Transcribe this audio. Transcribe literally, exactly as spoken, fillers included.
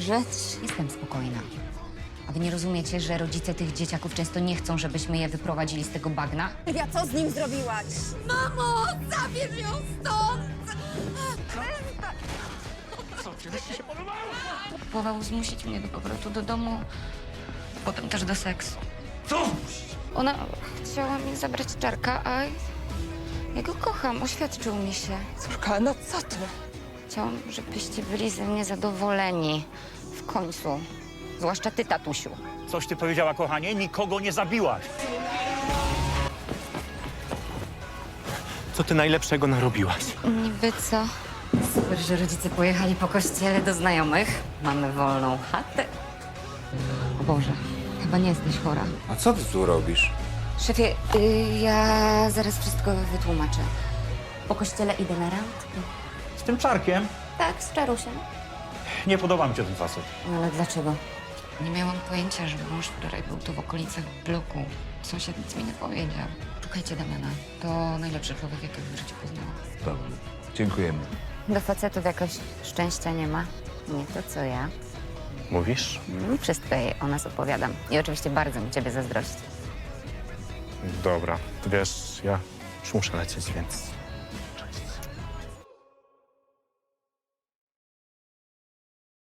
grzeć. Jestem spokojna. A wy nie rozumiecie, że rodzice tych dzieciaków często nie chcą, żebyśmy je wyprowadzili z tego bagna? Ja co z nim zrobiłaś? Mamo, zabierz ją stąd! Próbował zmusić mnie do powrotu do domu, potem też do seksu. Co? Ona chciała mi zabrać Czarka, a ja go kocham, oświadczył mi się. Córka, no co ty? Chciałam, żebyście byli ze mnie zadowoleni. W końcu. Zwłaszcza ty, tatusiu. Coś ty powiedziała, kochanie? Nikogo nie zabiłaś. Co ty najlepszego narobiłaś? Niby co? Super, że rodzice pojechali po kościele do znajomych. Mamy wolną chatę. O Boże, chyba nie jesteś chora. A co ty tu robisz? Szefie, y, ja zaraz wszystko wytłumaczę. Po kościele idę na randkę. Z tym Czarkiem? Tak, z Czarusiem. Nie podoba mi się ten facet. No ale dlaczego? Nie miałam pojęcia, że mąż wczoraj był tu w okolicach bloku. Sąsiad nic mi nie powiedział. Szukajcie Damiana. To najlepszy człowiek, jakiego w życiu poznałam. Dobrze. Dziękujemy. Do facetów jakoś szczęścia nie ma. Nie to, co ja. Mówisz? Mm, Wszystko jej o nas opowiadam. I oczywiście bardzo mi ciebie zazdrości. Dobra, to wiesz, ja już muszę lecieć, więc